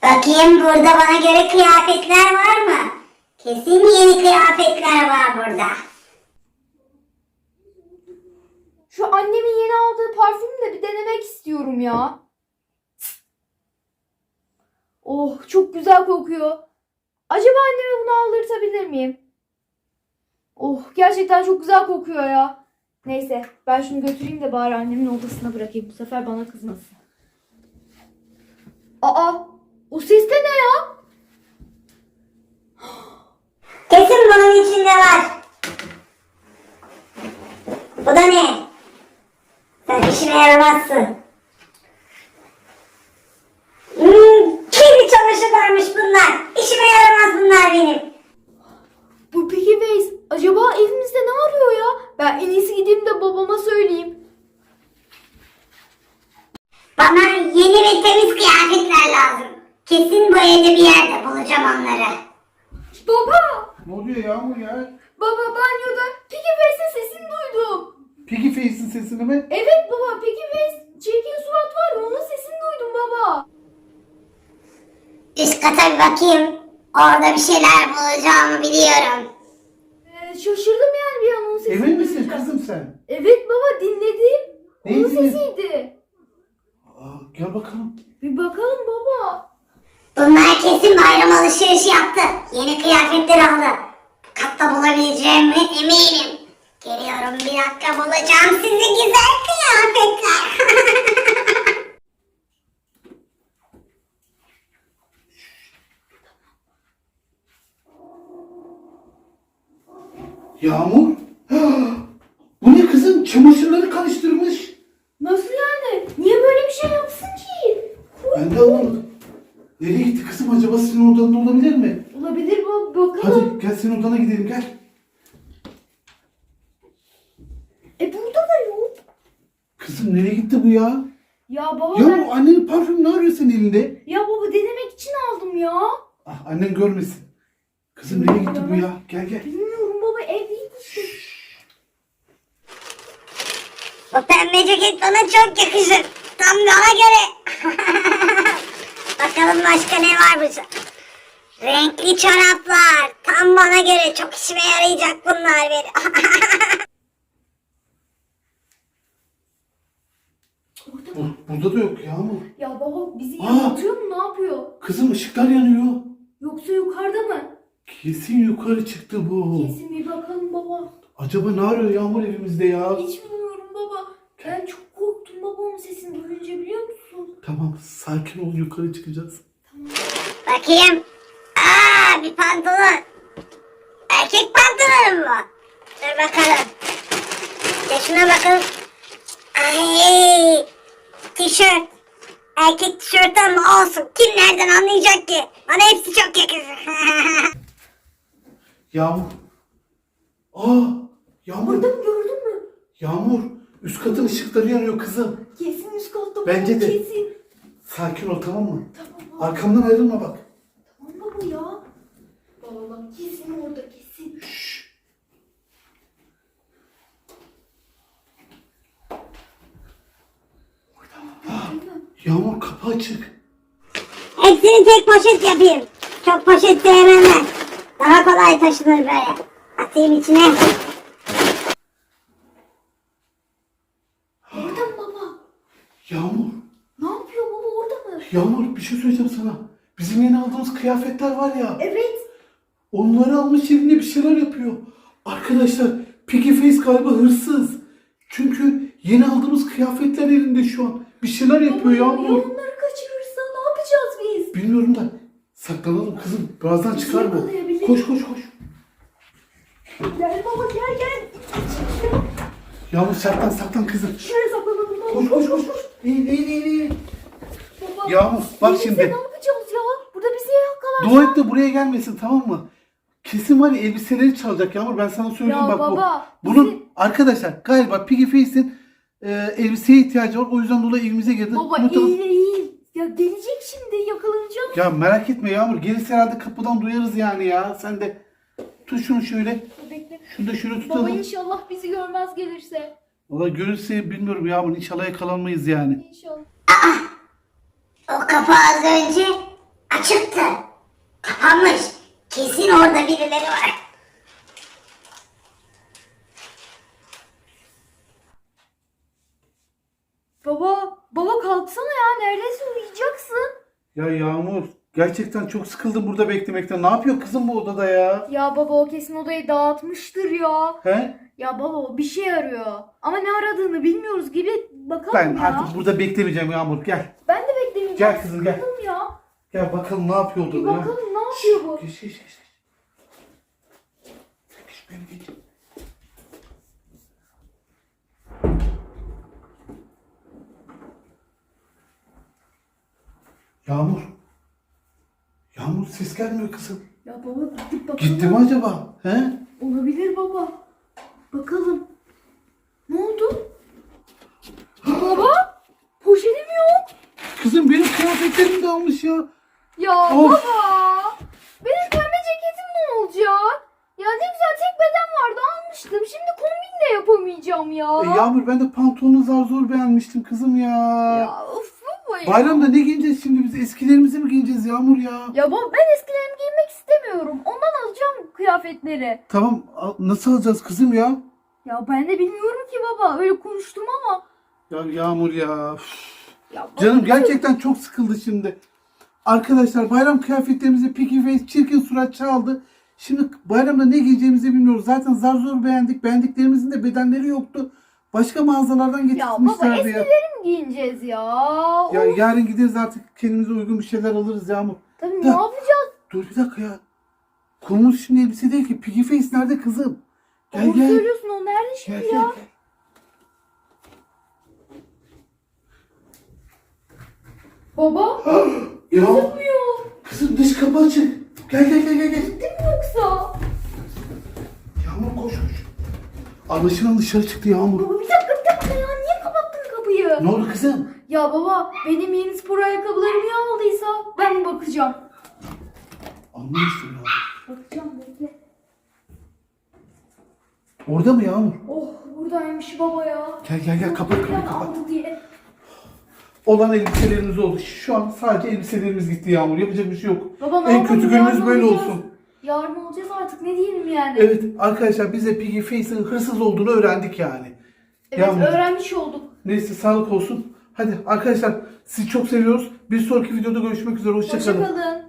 Bakayım burada bana göre kıyafetler var mı? Kesin yeni kıyafetler var burada. Şu annemin yeni aldığı parfümü de bir denemek istiyorum ya. Oh, çok güzel kokuyor. Acaba anneme bunu aldırtabilir miyim? Oh, gerçekten çok güzel kokuyor ya. Neyse, ben şunu götüreyim de bari annemin odasına bırakayım. Bu sefer bana kızmasın. Aa, o ses de ne ya? Kesin bunun içinde var. Bu da ne? Sen işime yaramazsın. Kirli çamaşırlarmış bunlar. İşime yaramaz bunlar benim. Bu Piggy Face acaba evimizde ne arıyor ya? Ben en iyisi gideyim de babama söyleyeyim. Bana yeni ve temiz kıyafetler lazım. Kesin bu evde bir yerde bulacağım onları. Baba! Ne oluyor Yağmur ya? Baba, banyoda Piggy Face'in sesini duydum. Piggy Face'in sesini mi? Evet baba, Piggy Face çirkin surat var ya, onun sesini duydum baba. Üst kata bir bakayım. Orada bir şeyler bulacağımı biliyorum. Şaşırdım yani bir an onun sesini Emin misin duyunca. kızım sen? Evet baba, dinledim. Neyi Onun dinledin? sesiydi. Gel bakalım. Bir bakalım baba. Bunlar kesin bayram alışverişi yaptı. Yeni kıyafetler aldı. Katta bulabileceğime eminim. Geliyorum, bir dakika bulacağım sizi güzel kıyafetler. Yağmur? Bu ne kızım? Çamaşırları karıştırmış. Nasıl yani? Niye böyle bir şey yapsın ki? Ben de anlamadım. Nereye gitti kızım? Acaba senin odanda olabilir mi? Olabilir baba, bakalım. Hadi gel senin odana gidelim gel. Burada da yok. Kızım nereye gitti bu ya? Ya baba Ya ben... bu annenin parfümü ne arıyor senin elinde? Ya baba, denemek için aldım ya. Ah, annen görmesin. Kızım nereye gitti bu ya? Gel gel. Bilmiyorum baba, evdeydi işte. Bu pembe ceket bana çok yakışır. Tam bana göre. Bakalım başka ne varmış. Renkli çoraplar. Tam bana göre. Çok işime yarayacak bunlar benim. Burada da yok Yağmur. Ya baba bizi Aa! yanıltıyor mu, ne yapıyor? Kızım ışıklar yanıyor. Yoksa yukarıda mı? Kesin yukarı çıktı bu. Kesin bir bakalım baba. Acaba ne arıyor Yağmur evimizde ya? Hiç bilmiyorum baba. Ben çok korktum baba onun sesini duyunca, biliyor musun? Tamam sakin ol, yukarı çıkacağız. Bakayım. Aa, bir pantolon. Erkek pantolonu mu? Dur bakalım. Ya şuna bakalım. Ay, tişört. Erkek tişört ama olsun. Kim nereden anlayacak ki? Bana hepsi çok yakışır. Yağmur. Aa, Yağmur. Orada mı, gördün mü? Yağmur. Üst katın ışıkları yanıyor kızım. Kesin üst katta. Bence baba, de. Kesin. Sakin ol tamam mı? Tamam baba. Arkamdan ayrılma bak. Tamam baba ya. Baba bak, kesin orada, kesin. Yağmur kapı açık. Hepsini tek poşet yapayım. Çok poşet sevmem ben. Daha kolay taşınır böyle. Atayım içine. Orada mı baba? Yağmur. Ne yapıyor baba, orada mı? Yağmur bir şey söyleyeceğim sana. Bizim yeni aldığımız kıyafetler var ya. Evet. Onları almış elinde bir şeyler yapıyor. Arkadaşlar Piggy Face galiba hırsız. Çünkü yeni aldığımız kıyafetler elinde şu an. Bir şeyler yapıyor Ya Yağmur. onları kaçırırsa ne yapacağız biz? Bilmiyorum da saklanalım kızım. Birazdan çıkar bu. yakalayabilir. Koş koş koş. Gel baba, gel gel. Yağmur saklan kızım. Şuraya saklanalım baba. Koş koş koş. İyi. Baba, Yağmur bak gelirse şimdi. ne yapacağız ya? Burada bizi yakalar. Dua et de buraya gelmesin tamam mı? Kesin var ya elbiseleri çalacak Yağmur, ben sana söylüyorum Ya bak baba, bu. Bunun bizi- arkadaşlar galiba Piggy Face'in elbiseye ihtiyacı var, o yüzden dolayı evimize girdi. Baba Muhtemelen- iyi. Ya gelecek şimdi, yakalanacağız. Ya merak etme Yağmur, gelirse herhalde kapıdan duyarız yani ya. Sen de tut şunu şöyle. Bekle. Şunu da şöyle Baba tutalım. inşallah bizi görmez gelirse. Valla görürse bilmiyorum Yağmur, inşallah yakalanmayız yani. İnşallah. O kapı az önce açıktı. Kapanmış. Kesin orada birileri var. Baba kalksana ya. Neredeyse uyuyacaksın. Ya Yağmur gerçekten çok sıkıldım burada beklemekten. Ne yapıyor kızım bu odada ya? Ya baba o kesin odayı dağıtmıştır ya. He? Ya baba o bir şey arıyor. Ama ne aradığını bilmiyoruz gibi bakalım Ben ya. artık burada beklemeyeceğim Yağmur. Gel. Ben de beklemeyeceğim. Gel kızım, gel. Sıkıldım ya. Gel bakalım ne yapıyor Bir odada ya. bakalım ne yapıyor bu. Geç. Geç beni geç. Yağmur. Yağmur ses gelmiyor kızım. Ya baba gidip bakalım. Gitti mi acaba? He? Olabilir baba. Bakalım. Ne oldu? Baba? Poşetim yok. Kızım benim kıyafetlerim de almış ya. Ya Of. baba. Benim pembe ceketim ne olacak? Ya ne güzel tek beden vardı almıştım. Şimdi kombin de yapamayacağım ya. Yağmur ben de pantolonu zar zor beğenmiştim kızım ya. Ya of baba ya. Bayramda ne giyeceğiz şimdi biz? Eskilerimizi mi giyeceğiz Yağmur ya? Ya baba ben eskilerimi giymek istemiyorum. Ondan alacağım kıyafetleri. Tamam nasıl alacağız kızım ya? Ya ben de bilmiyorum ki baba. Öyle konuştum ama. Ya Yağmur ya. Üf. Ya baba, Canım gerçekten çok sıkıldı şimdi. Arkadaşlar bayram kıyafetlerimizi Piggy Face çirkin surat çaldı. Şimdi bayramda ne giyeceğimizi bilmiyoruz. Zaten zar zor beğendik. Beğendiklerimizin de bedenleri yoktu. Başka mağazalardan Ya baba getirmişlerdi ya. eskileri mi giyineceğiz ya? Ya Of. yarın gideriz artık kendimize uygun bir şeyler alırız Yağmur. Tabii Ya. ne yapacağız? Dur bir dakika ya. Konumuz şimdi elbise değil ki. Piggy Face nerede kızım? Gel Doğru gel. söylüyorsun o nerede şimdi Gel ya? gel. Baba Ya gözükmüyor. kızım dış kapı açık. Gel. Gitti mi yoksa? Yağmur koş. Anlaşılan dışarı çıktı Yağmur. Baba bir dakika ya niye kapattın kapıyı? Ne oldu kızım? Ya baba benim yeni spor ayakkabılarımı ya aldıysa ben mi bakacağım? Anlamıştım ya. Bakacağım bekle. Orada mı Yağmur? Oh buradaymış baba ya. Gel kapat Neden kapat. aldı diye. Olan elbiselerimiz oldu. Şu an sadece elbiselerimiz gitti Yağmur. Yapacak bir şey yok. Baba ne En yapalım, kötü günümüz yarın böyle olacağız. olsun. Yarın olacağız artık ne diyelim yani. Evet arkadaşlar biz de Piggy Face'in hırsız olduğunu öğrendik yani. Evet Yağmur. öğrenmiş olduk. Neyse sağlık olsun. Hadi arkadaşlar sizi çok seviyoruz. Bir sonraki videoda görüşmek üzere. Hoşça kalın. Hoşçakalın.